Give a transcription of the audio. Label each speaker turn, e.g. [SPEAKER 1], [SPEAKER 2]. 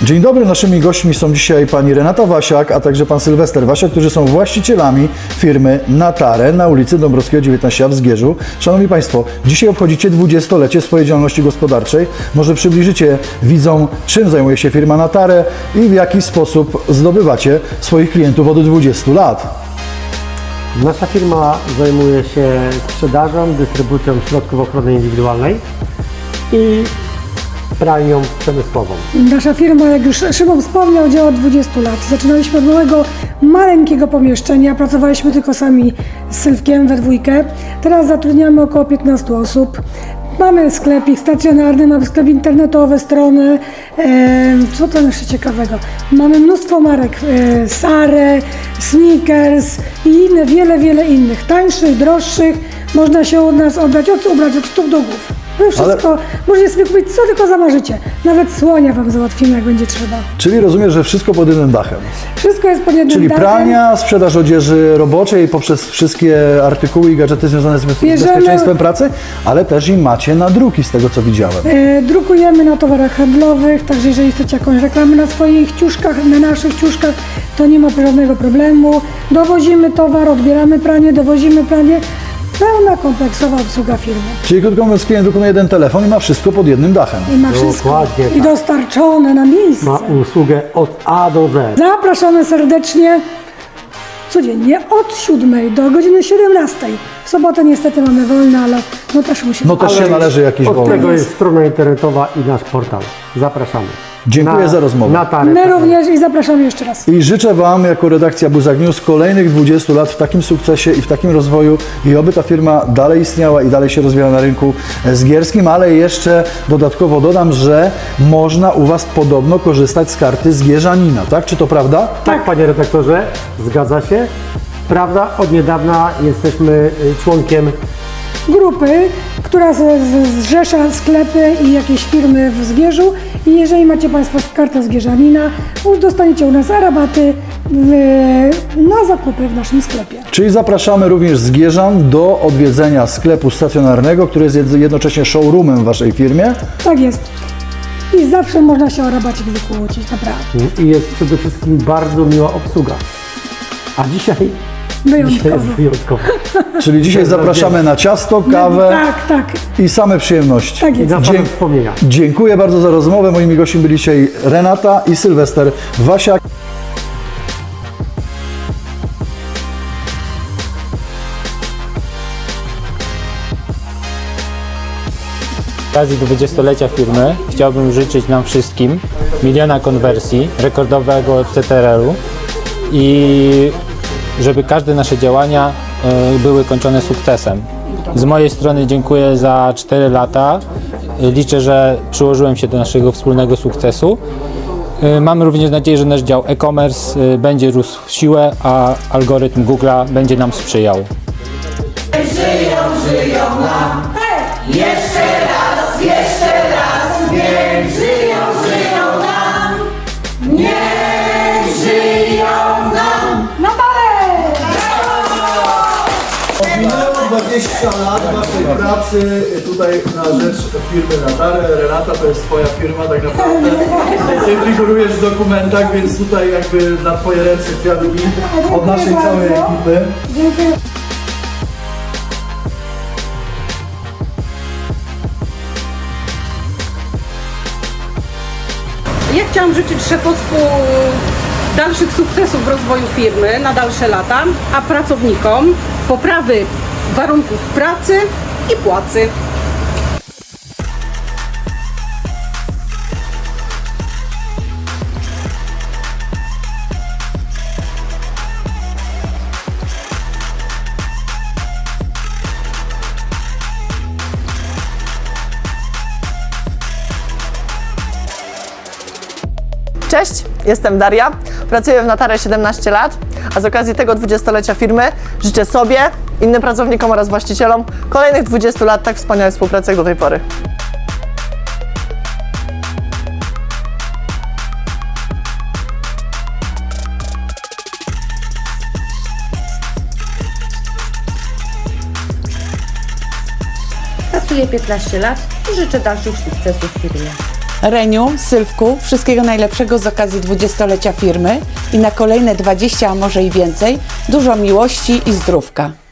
[SPEAKER 1] Dzień dobry, naszymi gośćmi są dzisiaj pani Renata Wasiak, a także pan Sylwester Wasiak, którzy są właścicielami firmy Natare na ulicy Dąbrowskiego 19 w Zgierzu. Szanowni Państwo, dzisiaj obchodzicie 20-lecie swojej działalności gospodarczej. Może przybliżycie widzom, czym zajmuje się firma Natare i w jaki sposób zdobywacie swoich klientów od 20 lat.
[SPEAKER 2] Nasza firma zajmuje się sprzedażą, dystrybucją środków ochrony indywidualnej i pralnią przemysłową.
[SPEAKER 3] Nasza firma, jak już Szymon wspomniał, działa od 20 lat. Zaczynaliśmy od małego, maleńkiego pomieszczenia, pracowaliśmy tylko sami z Sylwkiem we dwójkę. Teraz zatrudniamy około 15 osób. Mamy sklepik stacjonarny, mamy sklep internetowy, strony. Co to jeszcze ciekawego? Mamy mnóstwo marek, Sare, Sneakers i inne, wiele innych. Tańszych, droższych. Można się od nas ubrać od stóp do głów. No wszystko, możecie sobie kupić co tylko zamarzycie. Nawet słonia Wam załatwimy, jak będzie trzeba.
[SPEAKER 1] Czyli rozumiem, że wszystko pod jednym dachem.
[SPEAKER 3] Wszystko jest pod jednym
[SPEAKER 1] Czyli
[SPEAKER 3] dachem.
[SPEAKER 1] pralnia, sprzedaż odzieży roboczej poprzez wszystkie artykuły i gadżety związane z bezpieczeństwem pracy, ale też i macie nadruki z tego, co widziałem.
[SPEAKER 3] Drukujemy na towarach handlowych, także jeżeli chcecie jakąś reklamę na swoich ciuszkach, na naszych ciuszkach, to nie ma żadnego problemu. Dowozimy towar, odbieramy pranie, dowozimy pranie. Pełna kompleksowa obsługa firmy.
[SPEAKER 1] Czyli krótko mówiąc, klient wykonuje jeden telefon i ma wszystko pod jednym dachem.
[SPEAKER 3] I ma wszystko.
[SPEAKER 2] Dokładnie
[SPEAKER 3] I
[SPEAKER 2] tak.
[SPEAKER 3] dostarczone na miejsce.
[SPEAKER 2] Ma usługę od A do Z.
[SPEAKER 3] Zapraszamy serdecznie codziennie od 7 do godziny 17. W sobotę niestety mamy wolne, ale no też musimy.
[SPEAKER 1] No też się należy jakiś
[SPEAKER 2] Od
[SPEAKER 1] wolny.
[SPEAKER 2] tego jest strona internetowa i nasz portal. Zapraszamy.
[SPEAKER 1] Dziękuję za rozmowę.
[SPEAKER 2] Natare.
[SPEAKER 3] My również i zapraszamy jeszcze raz.
[SPEAKER 1] I życzę Wam jako redakcja Buzak News kolejnych 20 lat w takim sukcesie i w takim rozwoju i oby ta firma dalej istniała i dalej się rozwijała na rynku zgierskim, ale jeszcze dodatkowo dodam, że można u Was podobno korzystać z karty zgierzanina, tak? Czy to prawda?
[SPEAKER 2] Tak, panie redaktorze, zgadza się. Prawda, od niedawna jesteśmy członkiem
[SPEAKER 3] Grupy, która zrzesza sklepy i jakieś firmy w Zgierzu i jeżeli macie Państwo kartę Zgierzanina, dostaniecie u nas rabaty na zakupy w naszym sklepie.
[SPEAKER 1] Czyli zapraszamy również Zgierzan do odwiedzenia sklepu stacjonarnego, który jest jednocześnie showroomem w Waszej firmie.
[SPEAKER 3] Tak jest. I zawsze można się o rabacik wykłócić, naprawdę.
[SPEAKER 2] i jest przede wszystkim bardzo miła obsługa. A dzisiaj
[SPEAKER 3] Wyjątkowo.
[SPEAKER 2] jest wyjątkowo.
[SPEAKER 1] Czyli dzisiaj zapraszamy na ciasto, kawę
[SPEAKER 3] Tak,
[SPEAKER 1] i same przyjemności.
[SPEAKER 3] tak
[SPEAKER 2] I
[SPEAKER 3] jest.
[SPEAKER 2] na same wspomnienia.
[SPEAKER 1] Dziękuję bardzo za rozmowę. Moimi gośćmi byli dzisiaj Renata i Sylwester Wasiak.
[SPEAKER 4] Z okazji 20-lecia firmy chciałbym życzyć nam wszystkim miliona konwersji, rekordowego CTRL-u i żeby każde nasze działania były kończone sukcesem. Z mojej strony dziękuję za 4 lata. Liczę, że przyłożyłem się do naszego wspólnego sukcesu. Mam również nadzieję, że nasz dział e-commerce będzie rósł w siłę, a algorytm Google'a będzie nam sprzyjał.
[SPEAKER 5] Żyją nam. Jeszcze raz, niech żyją nam. Niech żyją nam.
[SPEAKER 1] Minęło 20 lat Waszej pracy tutaj na rzecz firmy Natare. Renata, to jest Twoja firma tak naprawdę. Ty figurujesz w dokumentach, więc tutaj jakby na Twoje ręce kwiatki od naszej całej ekipy.
[SPEAKER 3] Dziękuję.
[SPEAKER 6] Ja chciałam życzyć szefostwu dalszych sukcesów w rozwoju firmy na dalsze lata, a pracownikom poprawy warunków pracy i płacy.
[SPEAKER 7] Cześć, jestem Daria, pracuję w Natare 17 lat, a z okazji tego 20-lecia firmy życzę sobie, innym pracownikom oraz właścicielom kolejnych 20 lat tak wspaniałej współpracy jak do tej pory.
[SPEAKER 8] Pracuję 15 lat i życzę dalszych sukcesów w firmie. Reniu, Sylwku, wszystkiego najlepszego z okazji 20-lecia firmy i na kolejne 20, a może i więcej, dużo miłości i zdrówka.